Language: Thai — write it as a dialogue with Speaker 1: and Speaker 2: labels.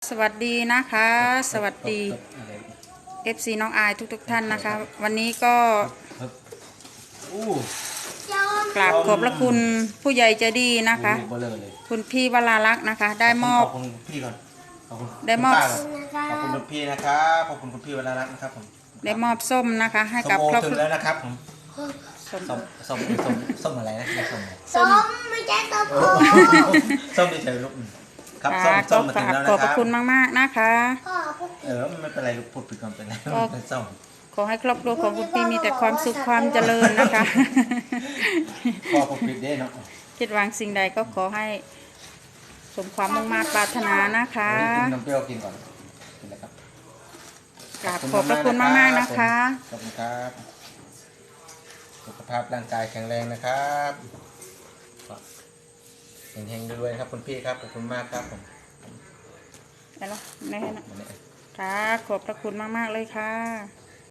Speaker 1: สวัสดีนะคะสวัสดี FC น้องอายทุกท่านนะคะวันนี้ก็กราบขอบพระคุณผู้ใหญ่ใจดีนะคะคุณพี่วราลักษณ์นะคะได้มอบ
Speaker 2: ขอบคุณพี่ก่อนขอบคุณ
Speaker 1: ได้มอบ
Speaker 2: ขอบคุณคุณพี่นะครับขอบคุณคุณพี่วรารัตน์นะครับผม
Speaker 1: ได้มอบส้มนะคะให้กับครอบค
Speaker 2: ถึ
Speaker 1: รั
Speaker 2: ง
Speaker 1: ว
Speaker 2: แล้วนะครับผม
Speaker 1: ส้ม
Speaker 2: ส้มอะไรนะส้มอะไร
Speaker 1: ส้ม
Speaker 3: ไม่ใช่ส้มโอ
Speaker 2: ส้มที่เฉยลูกครับ
Speaker 1: ค่ะ
Speaker 2: ส้ม
Speaker 1: ก็
Speaker 2: มาถึงแล้ว
Speaker 1: ขอ
Speaker 2: นะ
Speaker 1: บพ
Speaker 2: ค
Speaker 1: ระ
Speaker 2: รับ
Speaker 1: คุณมากๆนะคะ
Speaker 3: พ่อพูด
Speaker 2: ไม่เป็นไรลูกพูดผิดก่อนเป็นไรเป็นส้ม
Speaker 1: ขอให้ครอบครัวของคุณพี่มีแต่ความสุขความเจริญนะคะ
Speaker 2: พอพูดผิดได้เนาะ
Speaker 1: คิดหวังสิ่งใดก็ขอให้สมความมุ่งมา่ปรารถนานะคะ
Speaker 2: กินนมเปรี้ยวกินก่อนกินเลยครับ
Speaker 1: กราบขอบพระคุณมากๆนะคะ
Speaker 2: ขอบคุณครับสุขภาพร่างกายแข็งแรงนะครับเฮงๆด้วยครับคุณพี่ครับขอบคุณมากครับผม
Speaker 1: ได้แล้วแน่นะค่ะขอบพระคุณมากๆเลยค่ะ